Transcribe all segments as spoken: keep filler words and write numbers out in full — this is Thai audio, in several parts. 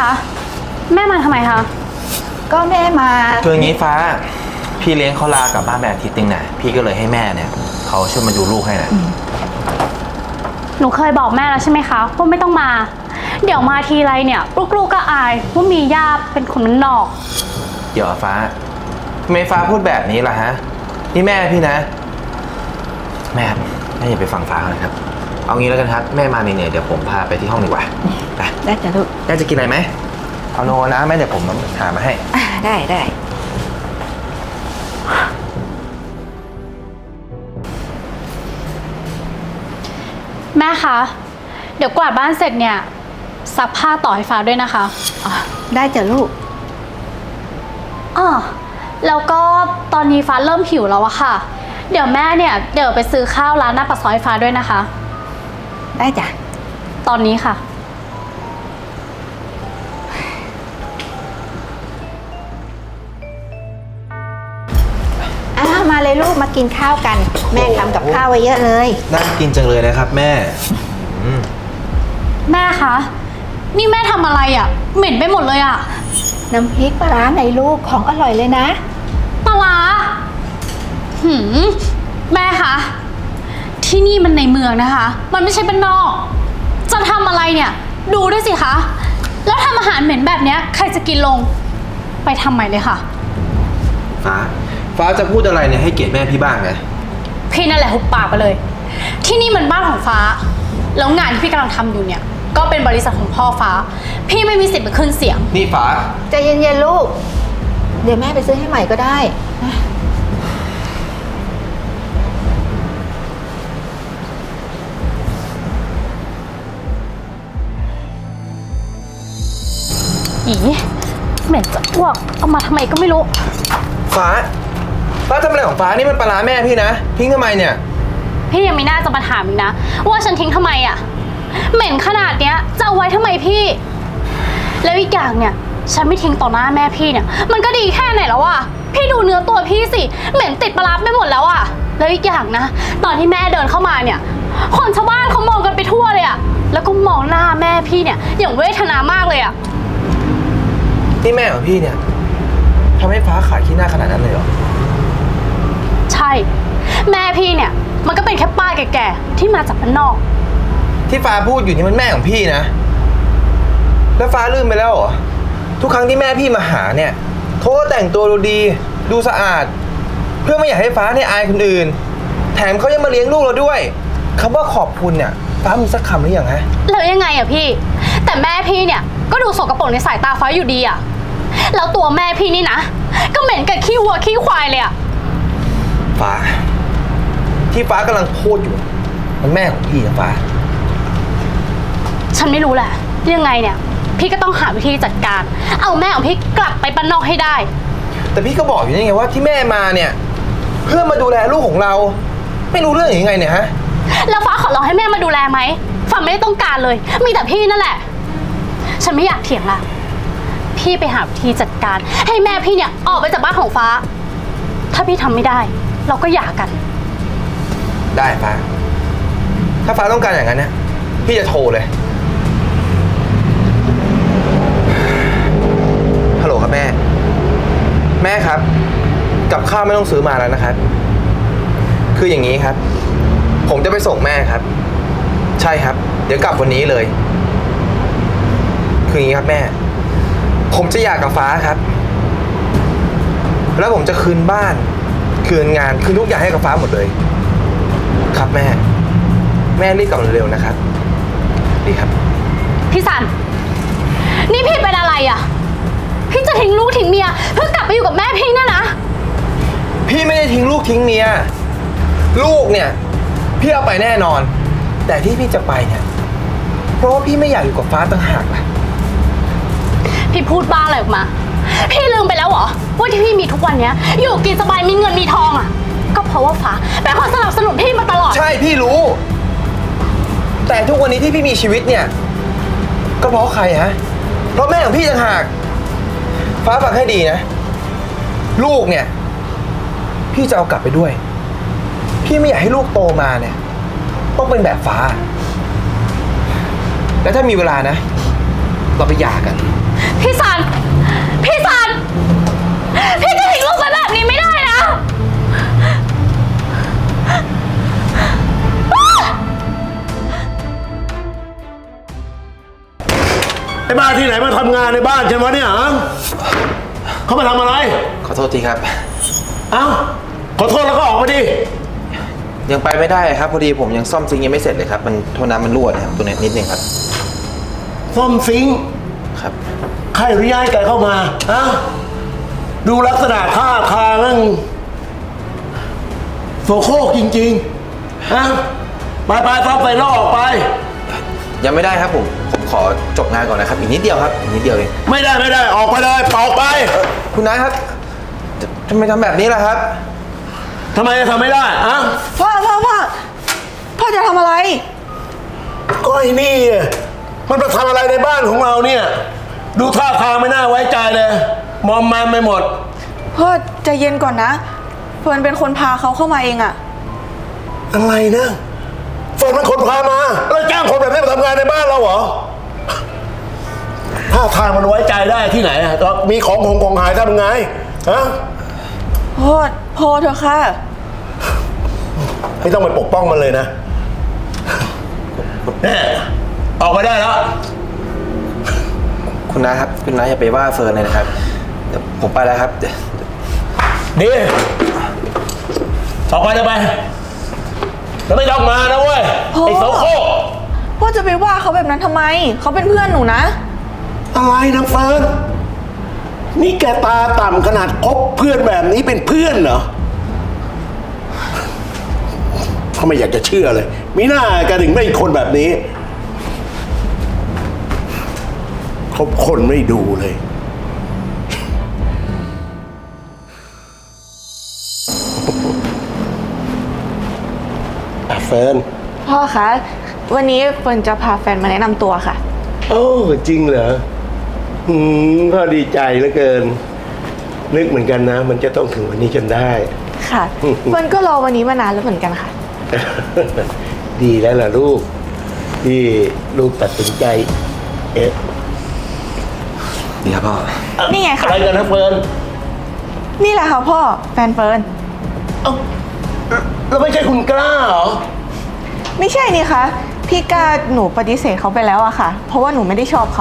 คะแม่มาทำไมคะก็แม่มาคืออย่างนี้ฟ้าพี่เลี้ยงเขาลากลับบ้านไปอาทิตย์นึงน่ะพี่ก็เลยให้แม่เนี่ยเขาช่วยมาดูลูกให้น่ะหนูเคยบอกแม่แล้วใช่ไหมคะว่าไม่ต้องมาเดี๋ยวมาทีไรเนี่ยลูกๆก็อายว่ามีย่าเป็นคนมันนอกเดี๋ยวฟ้าทำไมฟ้าพูดแบบนี้ล่ะฮะนี่แม่พี่นะแม่แม่อย่าไปฟังฟ้าเลยครับเอางี้แล้วกันครับแม่มาเหนื่อยๆเดี๋ยวผมพาไปที่ห้องดีกว่าไปได้จ้ะลูกแม่จะกินอะไรไหมเอาโนนะแม่เดี๋ยวผมหามาให้ได้ได้แม่คะเดี๋ยวกวาดบ้านเสร็จเนี่ยซักผ้าต่อให้ฟ้าด้วยนะคะอ๋อได้จ้ะลูกอ๋อแล้วก็ตอนนี้ฟ้าเริ่มหิวแล้วอะค่ะเดี๋ยวแม่เนี่ยเดี๋ยวไปซื้อข้าวร้านหน้าปากซอยฟ้าด้วยนะคะได้จ้ะตอนนี้ค่ะอ้าวมาเลยลูกมากินข้าวกันแม่ทำกับข้าวไว้เยอะเลยน่ากินจังเลยนะครับแม่แม่คะนี่แม่ทำอะไรอ่ะเหม็นไปหมดเลยอ่ะน้ำพริกปลาร้าในลูกของอร่อยเลยนะปลาร้าหืมแม่คะที่นี่มันในเมืองนะคะมันไม่ใช่บ้านนอกจะทำอะไรเนี่ยดูด้วยสิคะแล้วทำอาหารเหม็นแบบเนี้ยใครจะกินลงไปทำใหม่เลยค่ะฟ้าฟ้าจะพูดอะไรเนี่ยให้เกียรติแม่พี่บ้างไงพี่นั่นแหละหุบปากไปเลยที่นี่มันบ้านของฟ้าแล้วงานที่พี่กำลังทำอยู่เนี่ยก็เป็นบริษัทของพ่อฟ้าพี่ไม่มีสิทธิ์มาขึ้นเสียงนี่ฟ้าใจเย็นๆลูกเดี๋ยวแม่ไปซื้อให้ใหม่ก็ได้นะอีเหม็นจะอ้วกเอามาทำไมก็ไม่รู้ฟ้าฟ้าทำอะไรของฟ้านี่มันปลาร้าแม่พี่นะทิ้งทำไมเนี่ยพี่ยังไม่น่าจะมาถามอีกนะว่าฉันทิ้งทำไมอ่ะเหม็นขนาดเนี้ยจะเอาไว้ทำไมพี่แล้วอีกอย่างเนี่ยฉันไม่ทิ้งต่อหน้าแม่พี่เนี่ยมันก็ดีแค่ไหนแล้วอ่ะพี่ดูเนื้อตัวพี่สิเหม็นติดปลาร้าไปหมดแล้วอ่ะแล้วอีกอย่างนะตอนที่แม่เดินเข้ามาเนี่ยคนชาวบ้านเขามองกันไปทั่วเลยอ่ะแล้วก็มองหน้าแม่พี่เนี่ยอย่างเวทนามากเลยอ่ะนี่แม่ของพี่เนี่ยทำให้ฟ้าขายขี้หน้าขนาดนั้นเลยเหรอใช่แม่พี่เนี่ยมันก็เป็นแค่ป้าแก่ๆที่มาจากบ้านนอกที่ฟ้าพูดอยู่นี่มันแม่ของพี่นะแล้วฟ้าลืมไปแล้วเหรอทุกครั้งที่แม่พี่มาหาเนี่ยเขาก็แต่งตัวดูดีดูสะอาดเพื่อไม่อยากให้ฟ้าเนี่ยอายคนอื่นแถมเขายังมาเลี้ยงลูกเราด้วยคำว่าขอบคุณเนี่ยฟ้ามีสักคำหรือยังฮะแล้วยังไงอะพี่แต่แม่พี่เนี่ยก็ดูสกปรกในสายตาฟ้าอยู่ดีอะแล้วตัวแม่พี่นี่นะก็เหม็นกับขี้วัวขี้ควายเลยอะฟ้าที่ฟ้ากำลังพูดอยู่มันแม่ของพี่นะฟ้าฉันไม่รู้แหละยังไงเนี่ยพี่ก็ต้องหาวิธีจัดการเอาแม่ของพี่กลับไปบ้านนอกให้ได้แต่พี่ก็บอกอยู่นี่ไงว่าที่แม่มาเนี่ยเพื่อมาดูแลลูกของเราไม่รู้เรื่องยังไงเนี่ยฮะแล้วฟ้าขอร้องให้แม่มาดูแลไหมฟ้าไม่ได้ต้องการเลยมีแต่พี่นั่นแหละฉันไม่อยากเถียงละพี่ไปหาวิธีจัดการให้แม่พี่เนี่ยออกไปจากบ้านของฟ้าถ้าพี่ทำไม่ได้เราก็หย่ากันได้ฟ้าถ้าฟ้าต้องการอย่างนั้นเนี่ยพี่จะโทรเลยฮัลโหลครับแม่แม่ครับกับข้าวไม่ต้องซื้อมาแล้วนะครับคืออย่างนี้ครับผมจะไปส่งแม่ครับใช่ครับเดี๋ยวกลับวันนี้เลยคืออย่างนี้ครับแม่ผมจะหย่ากับฟ้าครับแล้วผมจะคืนบ้านคืนงานคืนทุกอย่างให้กับฟ้าหมดเลยครับแม่แม่รีบกลับเร็วๆนะครับดีครับพี่สันนี่พี่เป็นอะไรอ่ะพี่จะทิ้งลูกทิ้งเมียเพื่อกลับไปอยู่กับแม่พี่น่ะนะพี่ไม่ได้ทิ้งลูกทิ้งเมียลูกเนี่ยพี่เอาไปแน่นอนแต่ที่พี่จะไปเนี่ยเพราะว่าพี่ไม่อยากอยู่กับฟ้าต่างหากล่ะพี่พูดบ้าอะไรออกมาพี่ลืมไปแล้วเหรอว่าที่พี่มีทุกวันนี้อยู่กินสบายมีเงินมีทองอ่ะก็เพราะว่าฟ้าเป็นคนสนับสนุนพี่มาตลอดใช่พี่รู้แต่ทุกวันนี้ที่พี่มีชีวิตเนี่ยก็เพราะใครฮะเพราะแม่ของพี่ต่างหากฟ้าฟังให้ดีนะลูกเนี่ยพี่จะเอากลับไปด้วยพี่ไม่อยากให้ลูกโตมาเนี่ยต้องเป็นแบบฟ้าแล้วถ้ามีเวลานะเราไปหย่ากันพี่ซัน พี่ซัน พี่จะทิ้งลูกไปแบบนี้ไม่ได้นะไอ้บ้านที่ไหนมาทำงานในบ้านฉันวะเนี่ยฮะเขามาทำอะไรขอโทษทีครับเอ้า ขอโทษแล้วก็ออกมาดิยังไปไม่ได้ครับพอดีผมยังซ่อมซิงค์ยังไม่เสร็จเลยครับมันโทษน้ำมันรั่วนะครับตัวนี้นิดนึงครับซ่อมซิงค์ครับใครอนุญาตให้แกเข้ามาฮะดูลักษณะท่าทางนั่งโสโครกจริงๆฮะไปไปซ่อมไฟนอกออกไปยังไม่ได้ครับผมผมขอจบงานก่อนนะครับอีกนิดเดียวครับอีกนิดเดียวเองไม่ได้ไม่ได้ออกไปเลยออกไปคุณนายครับจะทำไมทำแบบนี้ล่ะครับทำไมจะทำไม่ได้อะพ่อพ่อพ่อพ่อจะทำอะไรก็ไอ้นี่อะมันมาทำอะไรในบ้านของเราเนี่ย ดูท่าทางไม่น่าไว้ใจเลยมอมแมมไปหมดพ่อใจเย็นก่อนนะเฟิร์นเป็นคนพาเขาเข้ามาเองอะอะไรนะฝนมันคนพามาแล้วจ้างคนแบบนี้มาทำงานในบ้านเราเหรอท่าทางมันไว้ใจได้ที่ไหนอะตอนมีของของของหายทำไงฮะพ่อพอเถอะค่ะไม่ต้องไปปกป้องมันเลยนะแน่ออกมาได้แล้วคุณนายครับคุณนายอย่าไปว่าเฟิร์นเลยนะครับเดี๋ยวผมไปแล้วครับเดี๋ยวดีออกไปเลยไปแล้วไม่ต้องมานะเว้ยพ่อไอ้โสโครกพ่อจะไปว่าเขาแบบนั้นทำไม เขาเป็นเพื่อนหนูนะอะไรนะเฟิร์นนี่แกตาต่ำขนาดคบเพื่อนแบบนี้เป็นเพื่อนเหรอเขาไม่อยากจะเชื่อเลยมีหน้าแกถึงไม่คนแบบนี้คบคนไม่ดูเลยอ่ะเฟิร์นพ่อคะ วันนี้เฟิร์นจะพาแฟนมาแนะนำตัวค่ะโอ้จริงเหรออืมพ่อดีใจเหลือเกิน นึกเหมือนกันนะ มันจะต้องถึงวันนี้จนได้ค่ะ เฟิร์นก็รอวันนี้มานานแล้วเหมือนกันค่ะดีแล้วล่ะลูก ที่ลูกตัดสินใจ เอ๊ะดีครับพ่อนี่ไงอะค่ะไรกันนะเฟิร์นนี่แหละค่ะพ่อ แฟนเฟิร์นเอ้าแล้วไม่ใช่คุณกล้าเหรอไม่ใช่นี่คะพี่กาหนูปฏิเสธเขาไปแล้วอะค่ะ เพราะว่าหนูไม่ได้ชอบเขา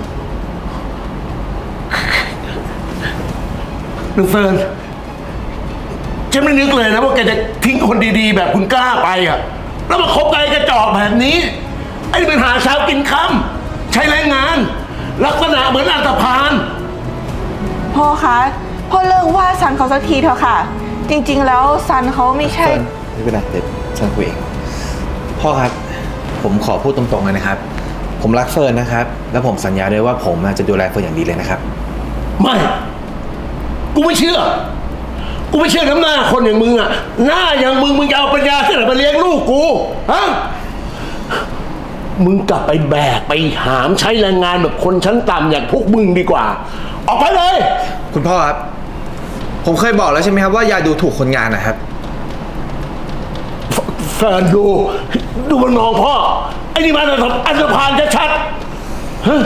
นึกเฟิร์นฉันไม่นึกเลยนะว่าแกจะทิ้งคนดีๆ แบบคุณกล้าไปอ่ะ แล้วมาคบกับไอ้กระจอกแบบนี้ ไอ้นี่เป็นหาเช้ากินค่ำใช้แรงงาน ลักษณะเหมือนอันธพาลพ่อคะพ่อเลิกว่าซันเขาสักทีเถอะค่ะ จริงๆแล้วซันเขาไม่ใช่เฟิร์นไม่เป็นไรเดี๋ยวฉันคุยเองพ่อครับผมขอพูดตรงๆเลยนะครับ ผมรักเฟิร์นนะครับ แล้วผมสัญญาด้วยว่าผมจะดูแลเฟิร์นอย่างดีเลยนะครับไม่ กูไม่เชื่อ กูไม่เชื่อน้ำหน้าคนอย่างมึงอ่ะ หน้าอย่างมึงมึงจะเอาปัญญาที่ไหนมาเลี้ยงลูกกู ฮะ มึงกลับไปแบกไปหามใช้แรงงานแบบคนชั้นต่ำอย่างพวกมึงดีกว่า ออกไปเลยคุณพ่อครับ ผมเคยบอกแล้วใช่ไหมครับว่าอย่าดูถูกคนงานนะครับแฟนดู ดูมันมองพ่อ ไอ้นี่มันอันธพาลชัดๆฮะ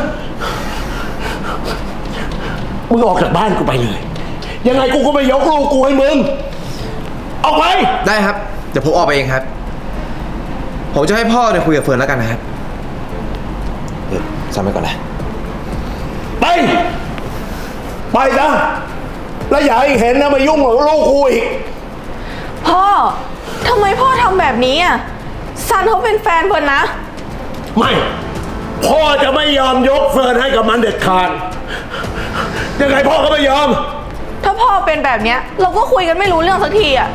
มึงออกจากบ้านกูไปเลย ยังไงกูก็ไม่ยกลูกกูให้มึง ออกไปได้ครับ เดี๋ยวผมออกไปเองครับ ผมจะให้พ่อเนี่ยคุยกับเฟิร์นแล้วกันนะครับเดี๋ยวซ้ำไปก่อนนะไป ไปซะแล้วอย่าให้เห็นนะมายุ่งกับลูกกูอีกพ่อทำไมพ่อทำแบบนี้อ่ะซันเขาเป็นแฟนเฟิร์นนะไม่ พ่อจะไม่ยอมยกเฟิร์นให้กับมันเด็ดขาด ยังไงพ่อก็ไม่ยอมถ้าพ่อเป็นแบบเนี้ย เราก็คุยกันไม่รู้เรื่องสักทีอ่ะ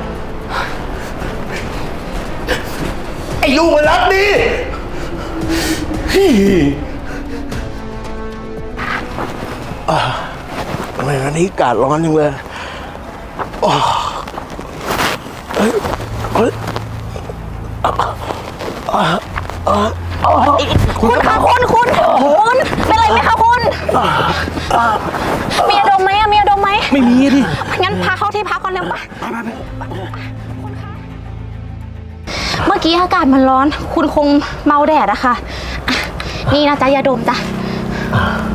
ไอ้ลูกมันรักดีอ่าทำไมวันนี้อากาศร้อนจังเลยอ๋อเฮ้ยเฮ้ยคุณคะคุณคุณคุณเป็นไรไหมคะคุณมียาดมไหมอะมียาดมไหมไม่มีดิงั้นพาเข้าที่พักก่อนเร็วปะเมื่อกี้อากาศมันร้อน คุณคงเมาแดดอะค่ะอ่ะนี่นะจ๊ะยาดมจ้ะ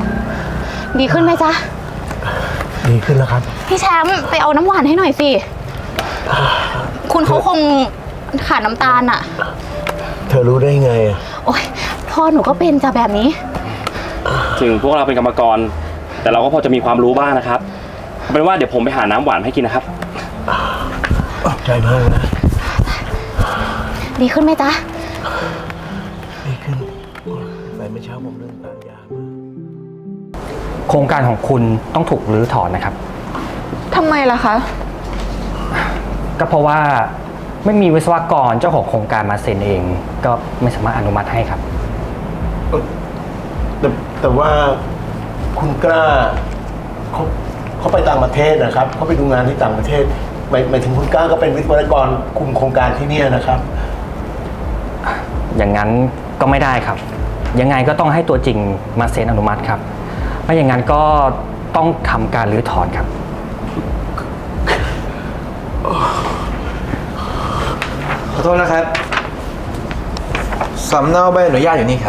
ดีขึ้นไหมจ๊ะดีขึ้นแล้วครับพี่แชมป์ไปเอาน้ำหวานให้หน่อยสิ คุณเขาคงขาดน้ำตาลอะเธอรู้ได้ไงอะโอ๊ยพ่อหนูก็เป็นจ้ะแบบนี้ถึงพวกเราเป็นกรรมกร แต่เราก็พอจะมีความรู้บ้างนะครับเอาเป็นว่าเดี๋ยวผมไปหาน้ำหวานให้กินนะครับขอบใจมากนะดีขึ้นไหมจ๊ะดีขึ้นไปเมื่อเช้าผมเดินตามยามาโครงการของคุณต้องถูกรื้อถอนนะครับทำไมล่ะคะก็เพราะว่าไม่มีวิศวกรเจ้าของโครงการมาเซ็นเอง ก็ไม่สามารถอนุมัติให้ครับแต่แต่ว่าคุณกล้าเขาเขาไปต่างประเทศนะครับเขาไปดูงานที่ต่างประเทศหมายหมายถึงคุณกล้าก็เป็นวิศวกรคุมโครงการที่เนี่ยนะครับอย่างนั้นก็ไม่ได้ครับ ยังไงก็ต้องให้ตัวจริงมาเซ็นอนุมัติครับไม่อย่างนั้นก็ต้องทำการรื้อถอนครับขอโทษนะครับ สำเนาใบอนุญาตอยู่นี่ครับ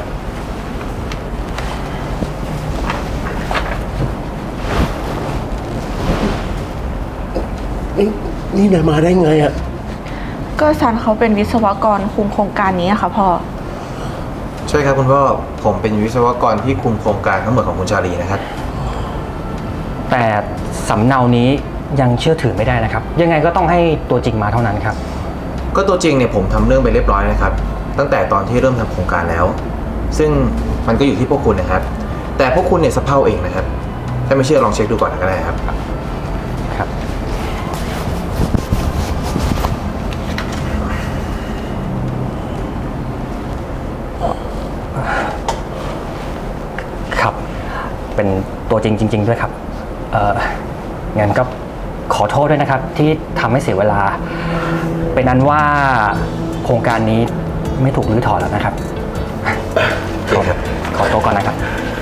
นี่นี่นายมาได้ไงอะก็ซันเขาเป็นวิศวกรคุมโครงการนี้อะค่ะพ่อใช่ครับคุณพ่อ ผมเป็นวิศวกรที่คุมโครงการทั้งหมดของคุณชาลีนะครับแต่สำเนานี้ยังเชื่อถือไม่ได้นะครับ ยังไงก็ต้องให้ตัวจริงมาเท่านั้นครับก็ตัวจริงเนี่ยผมทำเรื่องไปเรียบร้อยนะครับ ตั้งแต่ตอนที่เริ่มทำโครงการแล้ว ซึ่งมันก็อยู่ที่พวกคุณนะครับ แต่พวกคุณเนี่ยสะเพร่าเองนะครับ ถ้าไม่เชื่อลองเช็คดูก่อนก็ได้ครับครับ ครับ เป็นตัวจริงจริง ๆ ด้วยครับ เอ่อ งั้นก็ขอโทษด้วยนะครับ ที่ทำให้เสียเวลา เป็นนั้นว่าโครงการนี้ไม่ถูกรื้อถอนแล้วนะครับโอเคครับขอตัวก่อนนะครับ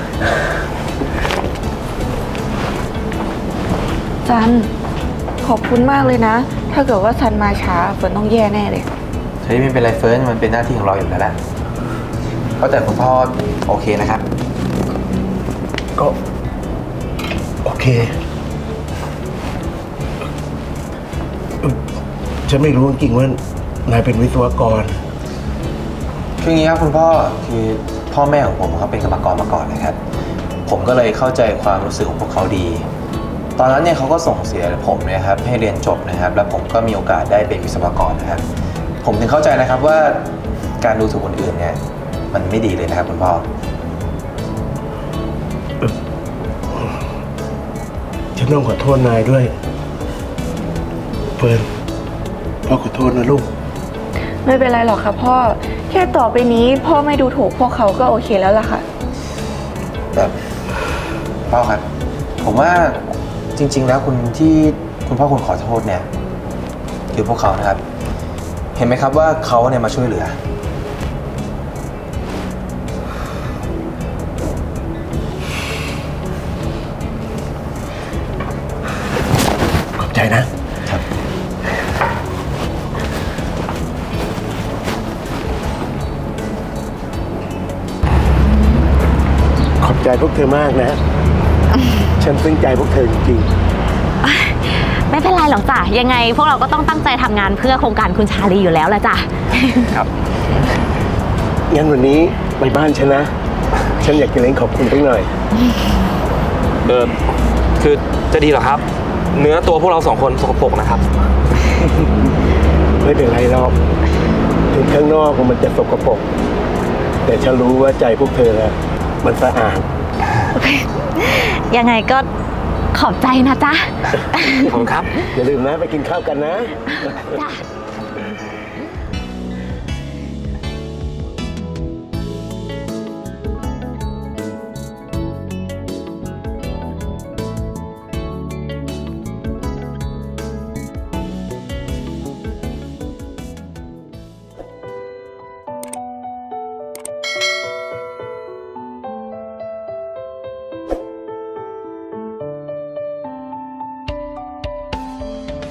ซัน ขอบคุณมากเลยนะ ถ้าเกิดว่าซันมาช้าฝนต้องแย่แน่เลยเฮ้ยไม่เป็นไรเฟิร์นมันเป็นหน้าที่ของเราอยู่แล้วแหละเพราะแต่คุณพ่อโอเคนะครับก็โอเคเอ่อฉันไม่รู้จริงๆว่านายเป็นวิศวกรคืออย่างนี้ครับคุณพ่อคือพ่อแม่ของผมเขาเป็นกรรมกรมาก่อนนะครับ ผมก็เลยเข้าใจความรู้สึกของพวกเขาดี ตอนนั้นเนี่ยเขาก็ส่งเสียผมเนี่ยครับให้เรียนจบนะครับ แล้วผมก็มีโอกาสได้เป็นวิศวกรนะครับ ผมถึงเข้าใจนะครับว่าการดูถูกคนอื่นเนี่ยมันไม่ดีเลยนะครับคุณพ่อฉันต้องขอโทษนายด้วย เฟิร์นพ่อขอโทษนะลูกไม่เป็นไรหรอกค่ะพ่อ แค่ต่อไปนี้พ่อไม่ดูถูกพวกเขาก็โอเคแล้วล่ะค่ะแบบพ่อครับ ผมว่าจริง ๆ แล้วคุณที่คุณพ่อคุณขอโทษเนี่ยคือพวกเขานะครับ เห็นไหมครับว่าเขาเนี่ยมาช่วยเหลือขอบใจนะครับขอบใจพวกเธอมากนะ ฉันซึ้งใจพวกเธอจริงไม่เป็นไรหรอกจ้ะ ยังไงพวกเราก็ต้องตั้งใจทำงานเพื่อโครงการคุณชาลีอยู่แล้วละจ้ะครับๆงั้นวันนี้ไปบ้านฉันนะ ฉันอยากจะเล่นขอบคุณสักหน่อยเออคือจะดีเหรอครับ เนื้อตัวพวกเราสองคนสกปรกนะครับไม่เป็นไรหรอก ถึงข้างนอกมันจะสกปรก แต่ฉันรู้ว่าใจพวกเธอนะมันสะอาดยังไงก็ขอบใจนะจ๊ะขอบคุณครับอย่าลืมนะไปกินข้าวกันนะจ้ะ